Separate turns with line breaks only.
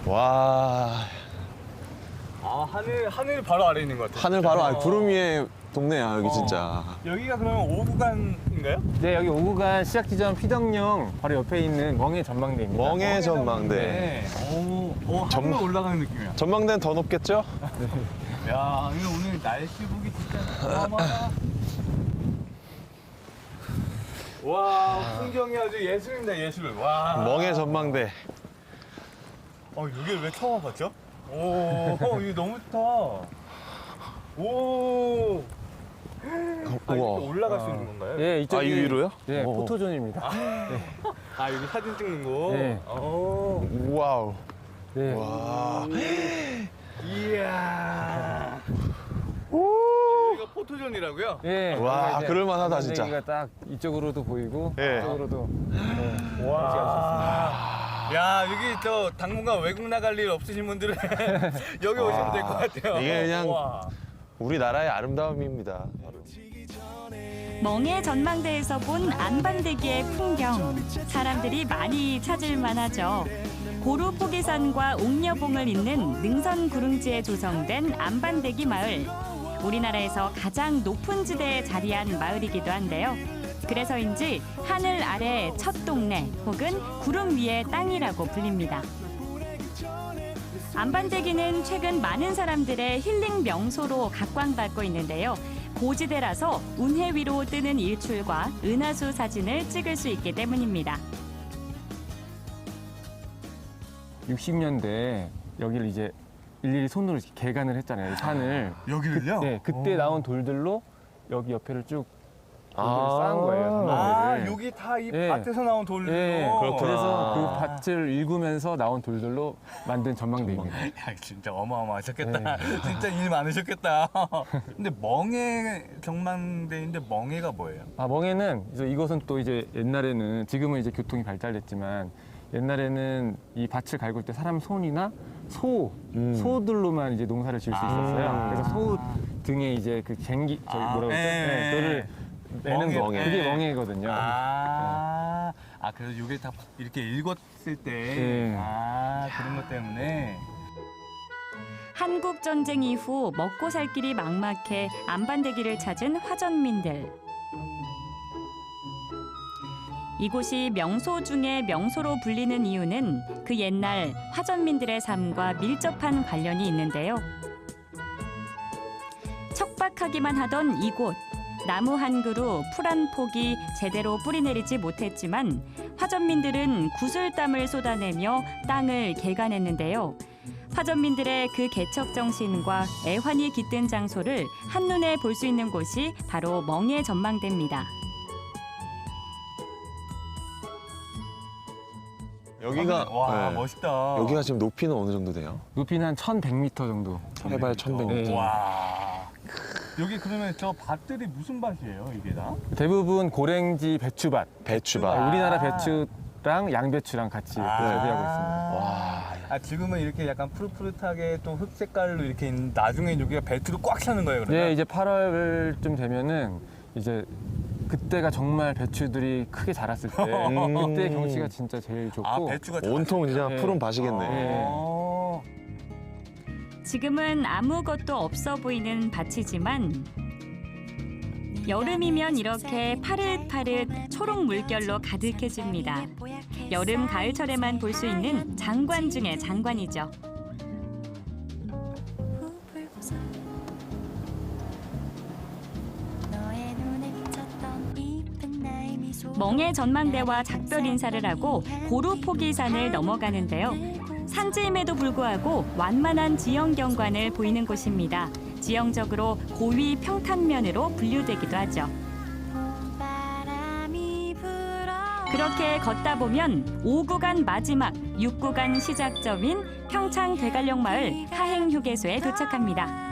와,
아, 하늘 바로 아래에 있는 것 같아요.
하늘 바로 구름 위에 동네야 여기 진짜.
여기가 그러면 5구간인가요?
네, 여기 5구간 시작 지점 피덕령 바로 옆에 있는 멍해 전망대입니다.
멍해 전망대.
네. 하늘 올라가는 느낌이야.
전망대는 더 높겠죠?
야, 이거 오늘 날씨 보기 진짜 어마어마하다. 와, 풍경이 아주 예술입니다, 예술. 와.
멍해 전망대.
여기를 왜 처음 와봤죠? 이거 너무 좋다. 오. 이렇게
우와.
올라갈 수 있는 건가요?
예, 이쪽이
이 위로요?
네,
오.
포토존입니다.
여기 사진 찍는 곳?
네.
와우.
네.
와.
이야. 여기가 포토존이라고요?
예.
와,
여기가 이제
그럴만하다, 진짜.
전망대가 딱 이쪽으로도 보이고
예.
이쪽으로도
와. 야, 여기 저 당분간 외국 나갈 일 없으신 분들은 여기 오시면 될 것 같아요.
이게 그냥
와.
우리나라의 아름다움입니다. 바로.
멍해 전망대에서 본 안반대기의 풍경. 사람들이 많이 찾을 만하죠. 고루 포기산과 옥녀봉을 잇는 능선 구릉지에 조성된 안반대기 마을. 우리나라에서 가장 높은 지대에 자리한 마을이기도 한데요. 그래서인지 하늘 아래 첫 동네 혹은 구름 위의 땅이라고 불립니다. 안반대기는 최근 많은 사람들의 힐링 명소로 각광받고 있는데요. 고지대라서 운해 위로 뜨는 일출과 은하수 사진을 찍을 수 있기 때문입니다.
60년대에 여기를 이제 일일이 손으로 이렇게 개간을 했잖아요. 이 산을.
여기를요?
네, 그때 나온 돌들로 여기 옆에를 쭉 돌들을 쌓은 거예요.
아,
전망대를.
여기 다 이
예.
밭에서 나온 돌로.
예,
그렇구나.
그래서 그 밭을 일구면서 나온 돌들로 만든 전망대입니다.
야, 진짜 어마어마하셨겠다. 진짜 일 많으셨겠다. 근데 멍해 경망대인데 멍해가 뭐예요?
멍해는 이제 이것은 또 이제 옛날에는 지금은 이제 교통이 발달됐지만 옛날에는 이 밭을 갈굴 때 사람 손이나 소들로만 이제 농사를 지을 수 있었어요. 그래서 소 등에 이제 그 쟁기 뭐라고 그러죠? 네, 그거를 내는 거.
멍해.
그게 멍해거든요.
그래서 이게 다 이렇게 읽었을 때,
네.
그런 것 때문에.
한국 전쟁 이후 먹고 살 길이 막막해 안반대기를 찾은 화전민들. 이곳이 명소 중에 명소로 불리는 이유는 그 옛날 화전민들의 삶과 밀접한 관련이 있는데요. 척박하기만 하던 이곳. 나무 한 그루, 풀 한 폭이 제대로 뿌리내리지 못했지만 화전민들은 구슬땀을 쏟아내며 땅을 개간했는데요. 화전민들의 그 개척 정신과 애환이 깃든 장소를 한눈에 볼 수 있는 곳이 바로 멍해 전망대입니다.
여기가
와,
네.
멋있다.
여기가 지금 높이는 어느 정도 돼요?
높이는 한 1,100m 정도.
해발 1100m.
네.
와. 여기 그러면 저 밭들이 무슨 밭이에요, 이게 다?
대부분 고랭지 배추밭.
배추밭.
우리나라 배추랑 양배추랑 같이 재배하고 있습니다.
와.
지금은 이렇게 약간 푸릇푸릇하게 또 흙 색깔로 이렇게 있는데 나중에 여기가 배추로 꽉 차는 거예요, 그러면?
네, 이제 8월쯤 되면은 이제 그때가 정말 배추들이 크게 자랐을 때 그때 경치가 진짜 제일 좋고
배추가
온통 그냥
네.
푸른 밭이겠네.
네.
지금은 아무것도 없어 보이는 밭이지만 여름이면 이렇게 파릇파릇 초록 물결로 가득해집니다. 여름, 가을철에만 볼 수 있는 장관 중의 장관이죠. 멍해 전망대와 작별 인사를 하고 고루 포기산을 넘어가는데요. 산지임에도 불구하고 완만한 지형 경관을 보이는 곳입니다. 지형적으로 고위 평탄면으로 분류되기도 하죠. 그렇게 걷다 보면 5구간 마지막 6구간 시작점인 평창 대관령 마을 하행휴게소에 도착합니다.